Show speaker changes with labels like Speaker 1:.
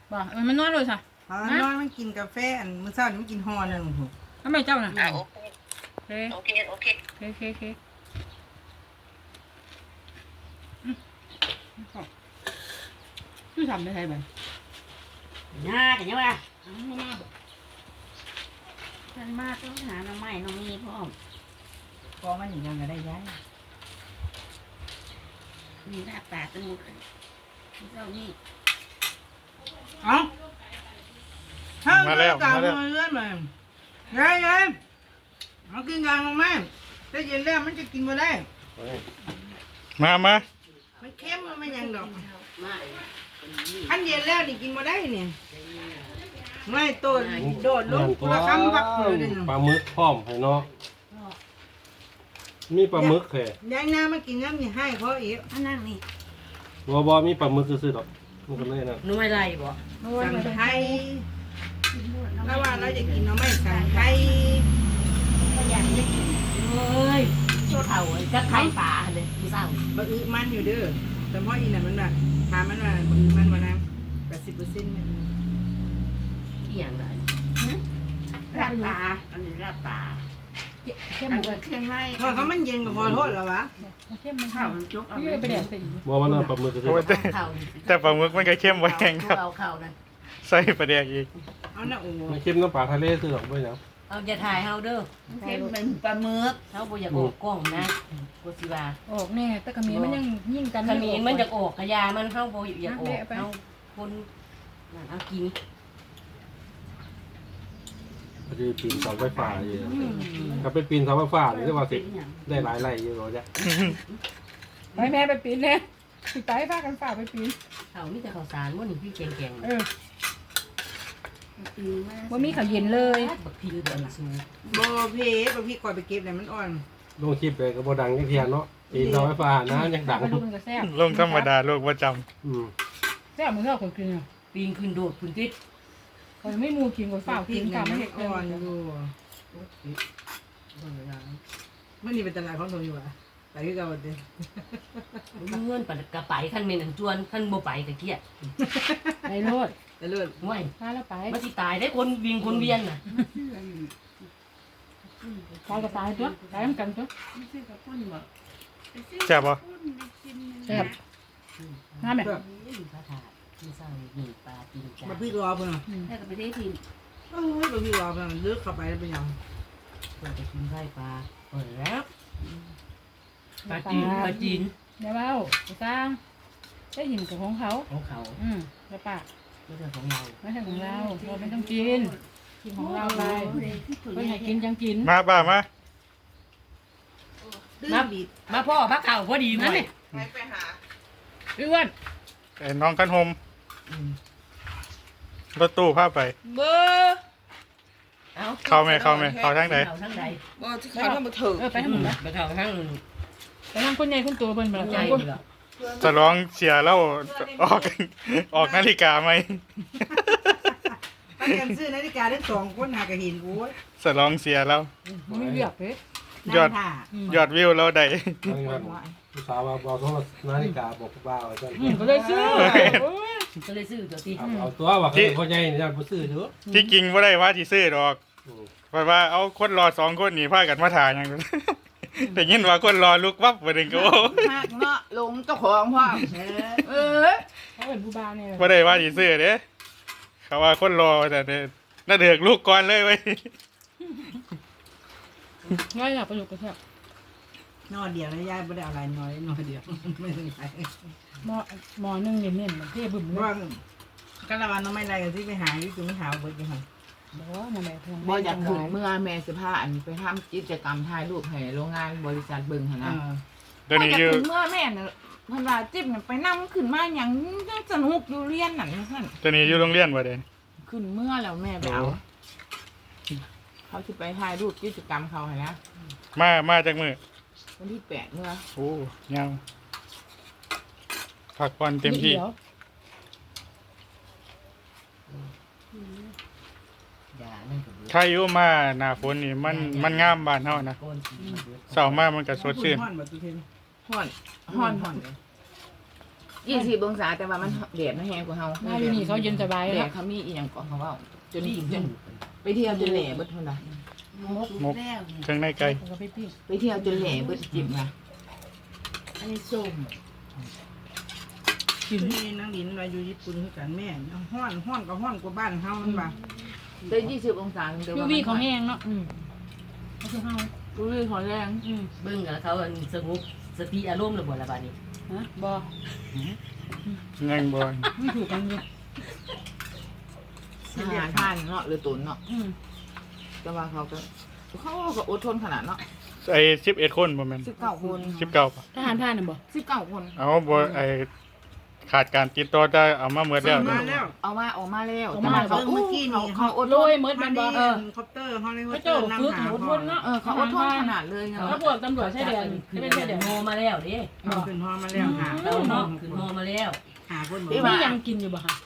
Speaker 1: บ่มันนอนเลยค่ะ
Speaker 2: น้อยมันกินกาแฟอันมื้อเช้านี่มันกินห่อนึง
Speaker 1: ทำไมเจ้าน่ะ
Speaker 3: โอเคโอเคโอเคโอเค
Speaker 1: โอเคทำได้ไงบ้าง
Speaker 4: ง่ากันยังไง
Speaker 1: ไม่น่าบอก
Speaker 4: ท่านมากต้องหาน้ำไม้น้องมีพร้อม
Speaker 2: พอมันยังก็ได้ย้าย
Speaker 4: มีหน้าตาตึงเจ้านี่
Speaker 2: เอ้ามาแล้วมาแล้วเลื่อนมาไงเอากินกลางลงมาถ้าเย็นแล้วมันจะกินมาได้
Speaker 5: มา
Speaker 2: มันเค็มมันไม่ยังดอกอันเย็นแล้วนี่กินมาได้เนี่ยไม่ต้นโดดลงกุละคำพักเลย
Speaker 6: ปลาหมึกพร้อมให้เนาะมีปลาหมึกแค่
Speaker 2: ยายน้ามากินน้ำนี่ให้เพราะอีก
Speaker 4: อันนั้นนี่
Speaker 6: บ่มีปลาหมึกซื่อๆดอกมันก็เลยนะ
Speaker 4: นุ่ยไรบ่
Speaker 2: สั่งไทยแล้วว่าเราจะกินเราไม่สั่งไทย
Speaker 4: ก็อยากจะกินเลยโชว์เท่าก็ไข่ปลาเลยพี่สาว
Speaker 2: บะอึมันอยู่เด้อแต่เพราะอีน่ะมันแบบถามมันว่าบะอึมันวันนั้น80%เนี่ย
Speaker 4: เกี่ยงเลยราดปลาอันนี้ราดปลา
Speaker 1: เข้ม
Speaker 4: อัน
Speaker 1: เล
Speaker 4: นี้
Speaker 1: ย
Speaker 4: เครื่องใน
Speaker 2: พอเขามันเย็นก็พอโทษแล้ววะ
Speaker 1: เข้มมัน
Speaker 4: ข้าวมันจุกเอา
Speaker 1: ไปแดดสิ
Speaker 6: บ่ว่านั่นปลาหมึกซื่อ
Speaker 5: โอ้ย
Speaker 4: ข้าว
Speaker 5: แต่ปลาหมึกมันก็เข้มไว้แห้งครับ
Speaker 4: เอาข้าวนั่น
Speaker 5: ใส่ปลาแดกอีก
Speaker 2: เอาหน้าโอ้
Speaker 6: ๆมันเค็มน้ำปลาทะเลซื่อดอกบ่หยัง
Speaker 4: เอาจะถ่ายเฮาเด้อเค็มเป็นปลาหมึกเขาบ่อยากออกกล้องนะกูสิว่า
Speaker 1: ออกแน่แต่กระมีมันยังยิ่งกัน
Speaker 4: ขมิ้นมันจะออกกระยามันเข้าโบอยากออกเข้าคนนั่นเอากิน
Speaker 6: พอดีปีนเสาไฟฟ้าอยู่ถ้าเป็นปีนเสาไฟฟ้านี่ว่าสิได้หลายไร่อยู่บ่จ๊ะ
Speaker 1: ไปแม่ไปปีนเนี่ยไปพากันฝ่าไปปีน
Speaker 4: เขามีแต่ข้าวสารว่าหนึ่งพี่แกง
Speaker 1: ว่ามีข้าวเย็นเลย
Speaker 4: บักพินเดือนสูง
Speaker 2: โบเพบะพี่คอยไปเก็บเลยมันอ่อน
Speaker 6: ลงคลิปไปก็บ่ดังจักเที่ยเนาะปีนเสาไฟฟ้านะยังดัง
Speaker 1: มันดูมันก็แซ่บ
Speaker 5: ลงธรรมดาโลกประจ
Speaker 1: แซ่บเหมือนเราคนกินอ่ะ
Speaker 4: ปีนขึ้นโดดขึ้นติด
Speaker 1: เขาไม่มูกินกับฝ่ากินกับไม่เห็น
Speaker 2: อ่อนอยู่มันนี่เป็นตลาดของตัวอยู่อ่ะไปคือเก่าเด้
Speaker 4: เงื่อนปัดกระไปขั้นเมนจวนขั้นโบไปกะเกี้ย
Speaker 1: ในรถ
Speaker 2: แต่เลือด
Speaker 4: ห่วย
Speaker 1: พาแล้วไป
Speaker 4: มันสิตายได้คนวิ่งคนเวียนน่ะ
Speaker 1: ตายก็ตายตัวตายเหมือนกันตัว
Speaker 5: ำแซ่บปะ
Speaker 1: แซ่บน้ำไหม
Speaker 4: พระธาตุที่สร้างมีปลาปีนจ้า
Speaker 2: บะพี่รอเพิ่นอ่ะ
Speaker 4: แค่ก็ไปได้ที
Speaker 2: บะพี่รอเพิ่นเลือกเข้าไปแล้วเป็นยัง
Speaker 4: เราจะกินไส้ปลาเปิดแล้วปลาจีน
Speaker 1: เดี๋ยวเอาไปสร้างได้หินกับของเขา
Speaker 4: ของเขา
Speaker 1: แล้วปะ
Speaker 4: ไม่ใช่ของเรา
Speaker 1: ไม่ใช่ของเราเราไม่ต้องกินกินของเราไปเพื่อนให้กินจังกิน
Speaker 5: มาบ้ามา
Speaker 2: มาบีบ
Speaker 4: มาพ่อพระเข่าพอดีนั่นนี่
Speaker 2: ไปหา
Speaker 1: อ้วน
Speaker 5: ไอ้น้องกันโฮมรถตู้พาไป
Speaker 3: เบอร์
Speaker 5: เข้าไหมเข้าทางไหน
Speaker 4: เข้าทั้งใด
Speaker 3: บอที่เขาต้องมาถึง
Speaker 1: ไปทั้งหมดนะ
Speaker 4: ไปเข้าทั้ง
Speaker 1: ไปทั้งคนใหญ่คนโตเป็นแบบ
Speaker 4: ใจ
Speaker 1: คน
Speaker 4: เหรอ
Speaker 5: จะร้องเชียร์แล้วออกนาฬิกาไหม
Speaker 2: ถ้ากันซื้อนาฬิกาได้2คนหากระหินโอ้ย
Speaker 5: จะร้องเชียร์แล้ว
Speaker 1: มันไม่เลือกเลย
Speaker 5: ยอดวิวแล้วใด
Speaker 6: ผู้สาวว่าบ่ต้องนาฬิกาบอกว่าว่าจัง
Speaker 1: ก็เลยซื้อ
Speaker 4: ก็เลยซื้อตัวที่
Speaker 6: เอาตัวว่าเขาพ่อใหญ่นี่บ่ซื้อเด้อ
Speaker 5: ที่จริงว่าได้ว่าที่ซื้อดอกเพราะว่าเอาคนรอ2 คนนี่พากันมาถ่ายอย่างนั้นแต่ยินว่าคนรอลุกวับไปดึงก็โอ้
Speaker 3: หักเนาะลงเจ้าของพ่ออ
Speaker 1: เขาเป็นผู้บ้าเนี่ย
Speaker 5: ว่าได้ว่าที่ซื้อเด้เขาว่าคนรอแต่น่าเดือกลูกก่อนเลยไว้
Speaker 1: ง่ายหลับประโยคก็แซ่บ
Speaker 2: นอนเดียวนะยายไม่ได้อะไรน้อยนอนเดียวไม่ถึงไหน
Speaker 1: หมอนึงเนี่ยเนี่ยมันเท่บึ้มเลย
Speaker 2: ว่ากันละวันน้องไม่ไรกันที่ไปหาอยู่ตรงนี้หาเบิดอยู่ค่ะ
Speaker 1: บอกว่ามันแบบ
Speaker 3: บอยากถึงเมื่อแม่สิพาอันไปทำกิจกรรมถ่ายรูปให้โรงงานบริษัทเบิ่งหั่นนะ
Speaker 5: เดี๋ยวนี้อยู่
Speaker 3: ถึงเมื่อแม่น่ะเพิ่นว่าจิ๊บน่ะไปนำขึ้นมาหยังจังสนุกอยู่เรียนนั่นซั่น
Speaker 5: เดี๋ยวนี้อยู่โรงเรียนบ่เด้
Speaker 3: ขึ้นเมื่อแล้วแม่ไปเอาเขาสิไปถ่ายรูปกิจกรรมเขาหั่นนะ
Speaker 5: มาจากมือ
Speaker 3: วันที่8เมื่อ
Speaker 5: โอ้ยาวพักผ่อนเต็มที่
Speaker 4: อย่านั่นก็
Speaker 5: ถ้าอยู่มาหน้าฝนนี่มันงามบ้านเฮานะ
Speaker 4: โกนสี
Speaker 5: เช้ามามันก็สดชื่น
Speaker 2: ห้อนแบบตุเทน
Speaker 3: ฮ้อนฮ้อนฮ้อน
Speaker 2: ต
Speaker 3: 20องศาแต่ว่ามันแดดมันแห้งกว่าเฮา
Speaker 1: หน้าอยู่นี่เขาเย็นสบาย
Speaker 3: แดด
Speaker 1: แล้ว
Speaker 3: เขามีอีหยังก่อนเขาเว้าจนไปเที่ยวจนแหล่เบิดเท่านั้น
Speaker 5: มกเครื่องในไก่
Speaker 1: เขาก็ไปปิ้ง
Speaker 3: ไปเที่ยวจนแหล่เบิดจิบนะ
Speaker 4: อันนี้ส้ม
Speaker 2: กินนี่นางดินมาอยู่ญี่ปุ่นคือกันแม่ห้อนก็ห้อนกว่าบ้านเฮามันบ่า
Speaker 3: ได้20องศาแต่
Speaker 1: ยู
Speaker 3: ว่า
Speaker 1: วีเขาแห้งเนาะ
Speaker 3: อืม
Speaker 1: เขาคือเฮา
Speaker 3: ยูวีเขาแรง
Speaker 4: เบิ่งแล้วเขาสงบสติอารมณ์ระบ่ละบาดนี้
Speaker 1: ฮะบ่
Speaker 5: ยังบ่
Speaker 1: ไม่ถูกกันอยู่
Speaker 3: อาหารทานเนาะหรือตุนเนาะ
Speaker 1: อืม
Speaker 3: แต่ว่าเขาก็อดทนขนาดเนาะ
Speaker 5: ไอ้11คนบ่แม่น
Speaker 3: 19คน
Speaker 5: 19ป่ะ
Speaker 1: ทหารท่านน่ะบ่
Speaker 3: 19คน
Speaker 5: เอาบ่ไอ้ขาดการติดต่อได้เอามาหมดแล้ว
Speaker 2: มาแล้ว
Speaker 3: เอามาออกมาแล้ว
Speaker 2: เมื่อกี้นี่
Speaker 3: เขาอด
Speaker 1: โร
Speaker 3: ทน
Speaker 1: ยหมด
Speaker 2: มั
Speaker 1: มัน นบ่
Speaker 2: เคอปเตอร์เขาเลย
Speaker 1: พ
Speaker 2: ว่า
Speaker 1: ระเจ้าฝึกหมดคนเนาะ
Speaker 3: เขาอดทนขนาดเลยไง
Speaker 1: ถ้าพวกตำรวจชายแดน
Speaker 4: ขึ้น
Speaker 1: ไม่ใช่แดน
Speaker 4: โมมาแล้วเด้
Speaker 2: ขึ้นฮอมาแล้วหา
Speaker 4: เราเนาะขึ้นโมมาแล้ว
Speaker 2: หาคน
Speaker 1: มียังกินอยู่บ่คะ